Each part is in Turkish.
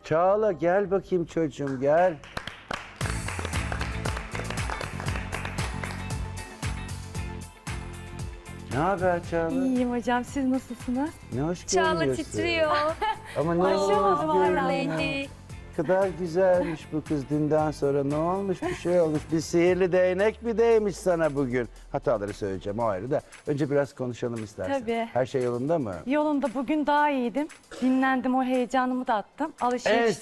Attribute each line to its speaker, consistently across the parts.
Speaker 1: Çağla gel bakayım çocuğum gel. Ne haber Çağla?
Speaker 2: İyiyim hocam, siz nasılsınız?
Speaker 1: Ne hoş
Speaker 3: Çağla
Speaker 1: görünüyorsun.
Speaker 3: titriyor.
Speaker 1: Ama ne
Speaker 2: Aşamadım
Speaker 1: hoş
Speaker 2: hala.
Speaker 1: görünüyor.
Speaker 3: Lady.
Speaker 1: Ne kadar güzelmiş bu kız dünden sonra. Ne olmuş bir şey olmuş. Bir sihirli değnek mi değmiş sana bugün? Hataları söyleyeceğim o ayrı da. Önce biraz konuşalım istersen.
Speaker 2: Tabii.
Speaker 1: Her şey yolunda mı?
Speaker 2: Yolunda, bugün daha iyiydim. Dinlendim, o heyecanımı da attım.
Speaker 1: En
Speaker 2: Alışveriş.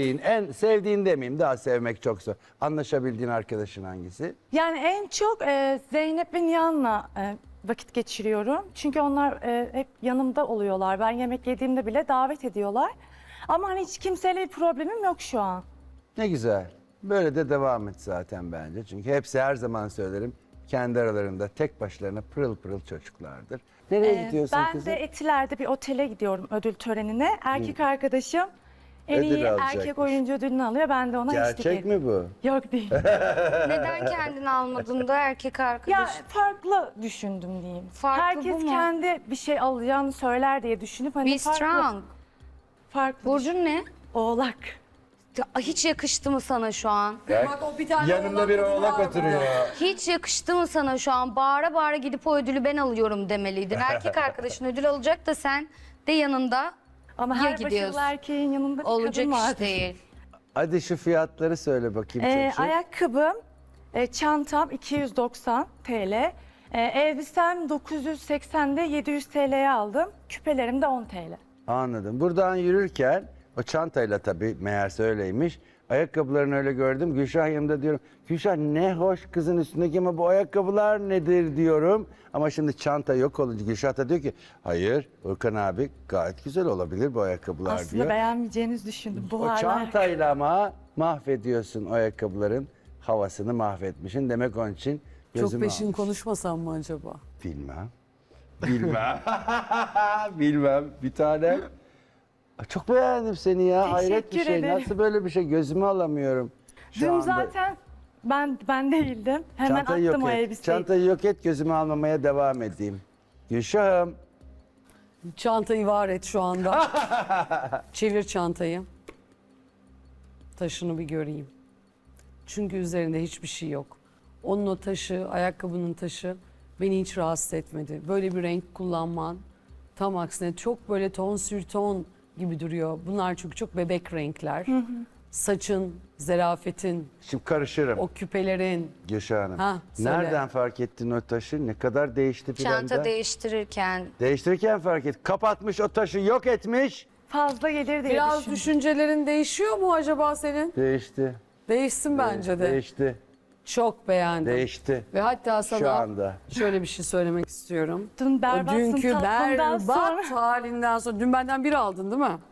Speaker 1: sevdiğin demeyeyim, daha sevmek çok zor. Anlaşabildiğin arkadaşın hangisi?
Speaker 2: Yani en çok Zeynep ve Nihan'la vakit geçiriyorum. Çünkü onlar hep yanımda oluyorlar. Ben yemek yediğimde bile davet ediyorlar. Ama hani hiç kimseyle bir problemim yok şu an.
Speaker 1: Ne güzel. Böyle de devam et zaten bence. Çünkü hepsi her zaman söylerim kendi aralarında tek başlarına pırıl pırıl çocuklardır. Nereye gidiyorsun
Speaker 2: Ben
Speaker 1: kızım?
Speaker 2: de Etiler'de bir otele gidiyorum ödül törenine. Erkek arkadaşım en
Speaker 1: Ödül
Speaker 2: iyi
Speaker 1: alacakmış.
Speaker 2: erkek oyuncu ödülünü alıyor. Ben de ona eşlik
Speaker 1: Gerçek
Speaker 2: ediyorum.
Speaker 1: mi bu?
Speaker 2: Yok değil.
Speaker 3: Neden kendini almadın da erkek
Speaker 2: Ya
Speaker 3: arkadaş?
Speaker 2: farklı düşündüm diyeyim.
Speaker 3: Farklı
Speaker 2: Herkes
Speaker 3: bu mu?
Speaker 2: kendi bir şey alacağını söyler diye düşünüp hani
Speaker 3: Be strong.
Speaker 2: farklı
Speaker 3: Burcun ne?
Speaker 2: Oğlak.
Speaker 3: Ya, hiç yakıştı mı sana şu an?
Speaker 4: Bak o bir tane
Speaker 1: Yanımda bir
Speaker 4: kadın
Speaker 1: oğlak
Speaker 4: var
Speaker 1: oturuyor.
Speaker 3: Hiç yakıştı mı sana şu an? Bağıra bağıra gidip o ödülü ben alıyorum demeliydin. Erkek arkadaşın ödül alacak da sen de yanında
Speaker 2: Ama
Speaker 3: Ya
Speaker 2: her
Speaker 3: gidiyorsun.
Speaker 2: başarılı erkeğin yanında bir
Speaker 3: olacak
Speaker 2: kadın
Speaker 3: iş
Speaker 2: vardır.
Speaker 3: değil.
Speaker 1: Hadi şu fiyatları söyle bakayım çocuğum.
Speaker 2: Ayakkabım, çantam 290 TL. Elbisem 980'de 700 TL'ye aldım. Küpelerim de 10 TL.
Speaker 1: Anladım. Buradan yürürken o çantayla tabii meğerse öyleymiş. Ayakkabılarını öyle gördüm. Gülşah yanımda diyorum. Gülşah ne hoş kızın üstündeki ama bu ayakkabılar nedir diyorum. Ama şimdi çanta yok olunca Gülşah da diyor ki hayır Urkan abi gayet güzel olabilir bu ayakkabılar
Speaker 2: Aslında
Speaker 1: diyor.
Speaker 2: beğenmeyeceğinizi düşündüm.
Speaker 1: O
Speaker 2: Buharlar.
Speaker 1: çantayla ama mahvediyorsun o ayakkabıların havasını mahvetmişsin. Demek onun için gözümü
Speaker 4: Çok peşin
Speaker 1: almış.
Speaker 4: konuşmasam mı acaba?
Speaker 1: Bilmem. Bilmem. Bilmem. Bir tane. Çok beğendim seni ya. Hayret bir
Speaker 2: Teşekkür
Speaker 1: şey.
Speaker 2: ederim.
Speaker 1: Nasıl böyle bir şey gözümü alamıyorum. Şu
Speaker 2: Dün
Speaker 1: anda.
Speaker 2: zaten ben değildim. Hemen
Speaker 1: Çantayı
Speaker 2: attım
Speaker 1: yok
Speaker 2: o
Speaker 1: et.
Speaker 2: elbiseyi.
Speaker 1: Çantayı yok et gözümü almamaya devam edeyim. Gülşah'ım.
Speaker 4: Çantayı var et şu anda. Çevir çantayı. Taşını bir göreyim. Çünkü üzerinde hiçbir şey yok. Onun o taşı, ayakkabının taşı beni hiç rahatsız etmedi. Böyle bir renk kullanman tam aksine çok böyle ton sür ton gibi duruyor. Bunlar çünkü çok bebek renkler. Saçın, zerafetin,
Speaker 1: Şimdi karışırım.
Speaker 4: o küpelerin.
Speaker 1: Gülşah Hanım.
Speaker 4: Ha, söyle.
Speaker 1: Nereden fark ettin o taşı? Ne kadar değişti filan
Speaker 3: Çanta
Speaker 1: da?
Speaker 3: değiştirirken
Speaker 1: Değiştirirken fark et. Kapatmış o taşı yok etmiş.
Speaker 2: Fazla gelir diye
Speaker 4: Biraz
Speaker 2: düşündüm.
Speaker 4: düşüncelerin değişiyor mu acaba senin?
Speaker 1: Değişti.
Speaker 4: Değişsin bence de.
Speaker 1: Değişti.
Speaker 4: Çok beğendim.
Speaker 1: Değişti.
Speaker 4: Ve hatta sana
Speaker 1: Şu anda.
Speaker 4: şöyle bir şey söylemek istiyorum.
Speaker 2: Dün
Speaker 4: O
Speaker 2: berbatsın
Speaker 4: dünkü
Speaker 2: tatlımdan sonra.
Speaker 4: berbat halinden sonra, dün benden bir aldın değil mi?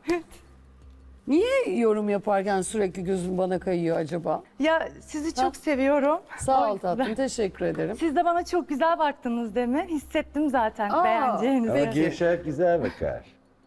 Speaker 4: Niye yorum yaparken sürekli gözün bana kayıyor acaba?
Speaker 2: Ya sizi çok seviyorum.
Speaker 4: Sağ ol
Speaker 2: O
Speaker 4: tatlım,
Speaker 2: yüzden.
Speaker 4: teşekkür ederim.
Speaker 2: Siz de bana çok güzel baktınız demin. Hissettim zaten
Speaker 4: Aa,
Speaker 2: beğeneceğinizi.
Speaker 1: Ama Gülşah güzel bakar.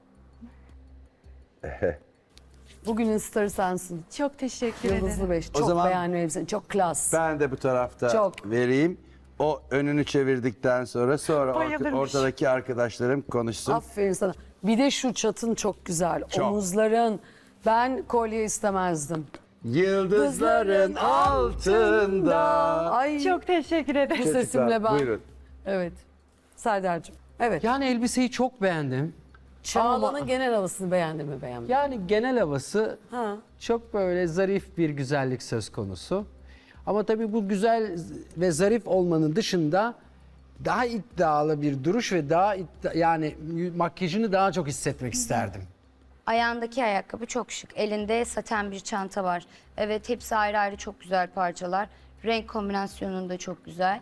Speaker 4: Bugünün starı sensin.
Speaker 2: Çok teşekkür
Speaker 4: Yıldızlı
Speaker 2: ederim.
Speaker 4: Beş.
Speaker 1: O
Speaker 4: Çok
Speaker 1: zaman-
Speaker 4: beğendim elbiseni. Çok klas.
Speaker 1: Ben de bu tarafta
Speaker 4: Çok.
Speaker 1: vereyim. O önünü çevirdikten sonra
Speaker 2: Bayılırmış.
Speaker 1: ortadaki arkadaşlarım konuşsun.
Speaker 4: Aferin sana. Bir de şu çatın çok güzel.
Speaker 1: Çok.
Speaker 4: Omuzların. Ben kolye istemezdim.
Speaker 1: Yıldızların altında.
Speaker 4: Ay
Speaker 2: Çok teşekkür
Speaker 4: bu
Speaker 2: ederim.
Speaker 4: sesimle ben.
Speaker 1: Buyurun.
Speaker 4: Evet. Serdar'cığım. Evet.
Speaker 5: Yani elbiseyi çok beğendim.
Speaker 4: Çağla'nın
Speaker 5: Ama-
Speaker 4: genel havasını beğendin mi beğenmedin?
Speaker 5: Yani genel havası
Speaker 4: Ha.
Speaker 5: çok böyle zarif bir güzellik söz konusu. Ama tabii bu güzel ve zarif olmanın dışında daha iddialı bir duruş ve daha yani makyajını daha çok hissetmek isterdim.
Speaker 3: ayağındaki ayakkabı çok şık. Elinde saten bir çanta var. Evet hepsi ayrı ayrı çok güzel parçalar. Renk kombinasyonun da çok güzel.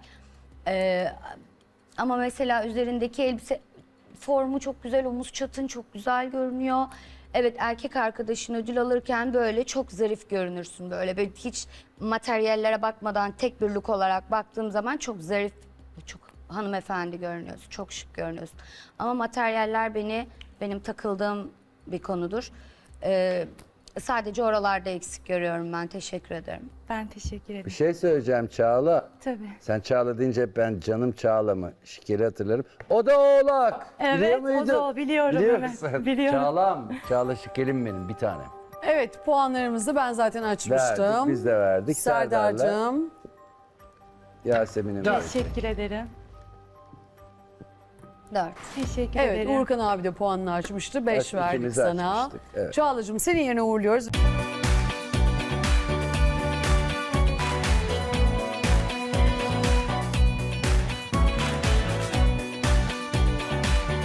Speaker 3: Ama mesela üzerindeki elbise formu çok güzel. Omuz çatın çok güzel görünüyor. Evet erkek arkadaşın ödül alırken böyle çok zarif görünürsün. Böyle hiç materyallere bakmadan tek bir look olarak baktığım zaman çok zarif, çok hanımefendi görünüyorsun. Çok şık görünüyorsun. Ama materyaller benim takıldığım bir konudur. Sadece oralarda eksik görüyorum ben. Teşekkür ederim.
Speaker 2: Ben teşekkür
Speaker 1: Bir
Speaker 2: ederim.
Speaker 1: şey söyleyeceğim Çağla.
Speaker 2: Tabii.
Speaker 1: Sen Çağla deyince hep ben canım Çağla'mı şikeri hatırlarım. O da oğlak.
Speaker 2: Evet,
Speaker 1: Biliyor
Speaker 2: o
Speaker 1: muydun?
Speaker 2: da o. Biliyorum,
Speaker 1: Biliyor
Speaker 2: evet.
Speaker 1: musun?
Speaker 2: Biliyorum.
Speaker 1: Çağla'm. Çağla şekerim benim bir tane.
Speaker 4: Evet, puanlarımızı ben zaten açmıştım.
Speaker 1: Verdik, biz de verdik. Serdar'la
Speaker 4: Serdar'cığım.
Speaker 1: Yasemin'e verdik.
Speaker 2: Teşekkür ederim.
Speaker 3: 4.
Speaker 2: Teşekkür
Speaker 4: Evet,
Speaker 2: ederim.
Speaker 4: Uğurkan abi de puanını açmıştı. 5
Speaker 1: Evet,
Speaker 4: verdik
Speaker 1: ikimiz
Speaker 4: sana.
Speaker 1: açmıştık, evet.
Speaker 4: Çağla'cığım seni yerine uğurluyoruz.